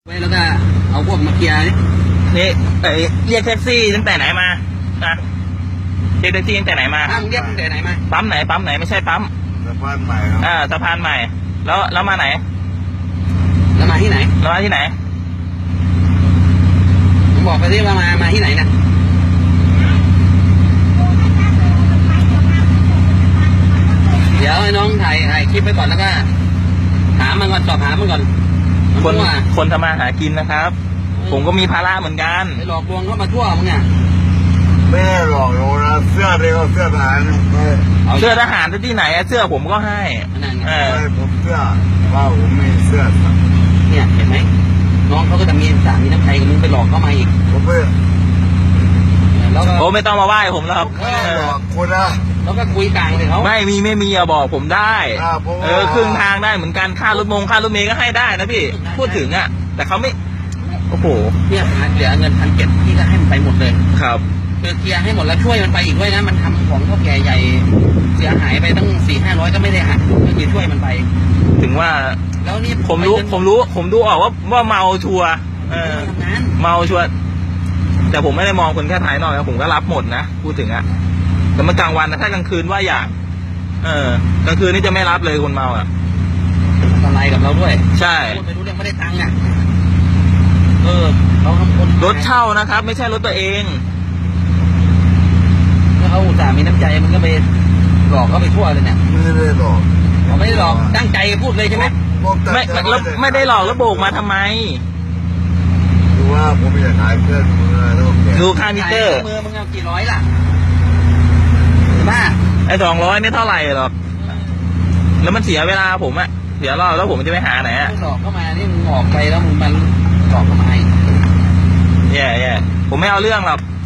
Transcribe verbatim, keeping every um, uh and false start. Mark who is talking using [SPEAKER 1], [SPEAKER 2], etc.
[SPEAKER 1] ไว้แล้วก็เอาพวกมาเคลียร์นี่
[SPEAKER 2] นี่ไอเรียกแท็กซี่ตั้งแต่ไหนมานะเรียกแท็กซี่ตั้งแต่ไหนมา
[SPEAKER 1] อ้างเรียกตั้งแต่ไหนมา
[SPEAKER 2] ปั๊มไหนปั๊มไหนไม่ใช่ปั๊ม
[SPEAKER 3] สะพานใหม่ครับ
[SPEAKER 2] อ่าสะพานใหม่ แล้วแล้วมาไหน
[SPEAKER 1] แล้วมาที่ไหน
[SPEAKER 2] แล้วมาที่ไหน
[SPEAKER 1] ผมบอกไปที่ว่ามามาที่ไหนนะเดี๋ยวให้น้องถ่ายถ่ายคลิปไปก่อนแล้วก็ถามมันก่อนสอบถามมันก่อนมัน
[SPEAKER 2] คน
[SPEAKER 1] ว่า
[SPEAKER 2] คนทำมาหากินนะครับ ผมก็มีภาระเหมือนกัน
[SPEAKER 1] ไปหลอกลวงเข้ามาทั่วมึงอ่ะ
[SPEAKER 3] ไม่ได้หลอกเรานะเสื้อเดียวเสื้อทหารไม่
[SPEAKER 1] า
[SPEAKER 2] เสื้อทหารที่ไหนอะเสื้อผมก็ให้
[SPEAKER 1] นั่นไง
[SPEAKER 2] เออ
[SPEAKER 3] ไม่ผมเสื้อว่าผมไม่เสื้อสัก
[SPEAKER 1] เนี่ยเห็นไหมน้องเขาก็จะมีสามีน้ำใจกับมึงไปหลอกเข้ามาอีก
[SPEAKER 3] ผมไม่
[SPEAKER 1] แล้วก็
[SPEAKER 2] โอ้ไม่ต้องมาไหว้ผมแล้วครับ
[SPEAKER 3] ไม่ได้หลอกคุณนะ
[SPEAKER 1] แล้วก็คุยกลางเลยเขา
[SPEAKER 2] ไม่มีไม่มีอะบอกผมได้
[SPEAKER 3] อ่าผมว่า
[SPEAKER 2] เออครึ่งทางได้เหมือนกันค่ารถมงค่ารถเมล์ก็ให้ได้นะพี่พูดถึงอะแต่เขาไม่โอ้โห
[SPEAKER 1] เนี่ยเหลือเงินพันเจ็ดพี่ก็ให้มันไปหมดเลย
[SPEAKER 2] ครับ
[SPEAKER 1] คือเคลียร์ให้หมดแล้วช่วยมันไปอีกด้วยนะมันทำของเท่าแก่ใหญ่เสียหายไปตั้งสี่ห้าร้อยก็ไม่ได้หักก็คือช่วยมันไป
[SPEAKER 2] ถึงว่า
[SPEAKER 1] แล้วนี่
[SPEAKER 2] ผมรู้ผมรู้ ผมดูออกว่าว่าเมาชัวร์เออ
[SPEAKER 1] ทำงาน
[SPEAKER 2] เมาชัวร์แต่ผมไม่ได้มองคนแค่ภายนอกนะผมก็รับหมดนะพูดถึงอะแต่เมื่อกลางวันนะถ้ากลางคืนว่าอย่างเออกลางคืนนี่จะไม่รับเลยคนเมาอะ
[SPEAKER 1] อะไรกับเราด้วย
[SPEAKER 2] ใช่
[SPEAKER 1] พูดไปรู้เรื่องไม่ได้ตังค์อ่ะเออเราทำคน
[SPEAKER 2] รถเช่านะครับ ไม่ใช่รถตัวเอง
[SPEAKER 1] แล้วเขาอุตส่าห์มีน้ำใจมันก็ไปหลอกเขาไปทั่วเลยเนี่ย
[SPEAKER 3] ไม่ได้หลอก
[SPEAKER 1] เขาไม่ได้หลอกตั้งใจพูดเลยใช่ไหม
[SPEAKER 3] ผมตั้ง
[SPEAKER 2] ไม่
[SPEAKER 3] ใจ
[SPEAKER 2] ไม่แล้วไม่ได้หลอกแล้วโบกมาทำไม
[SPEAKER 3] ดูว่าผมอยากขายเสื้อมือแล้วแก
[SPEAKER 2] ดูค่ามิเตอร์
[SPEAKER 1] มือมึงเอากี่ร้อยล่ะบ้า
[SPEAKER 2] ไอ้สองร้อยไม่เท่าไหร่หรอกแล้วมันเสียเวลาผมอะเสียรอบแล้วผมจะไปหาไหนอะ
[SPEAKER 1] หลอกเข้ามานี่มึงออกไปแล้วมึงมันหลอกเข้ามาอีก
[SPEAKER 2] แย่แย่ผมไม่เอาเรื่องหรอก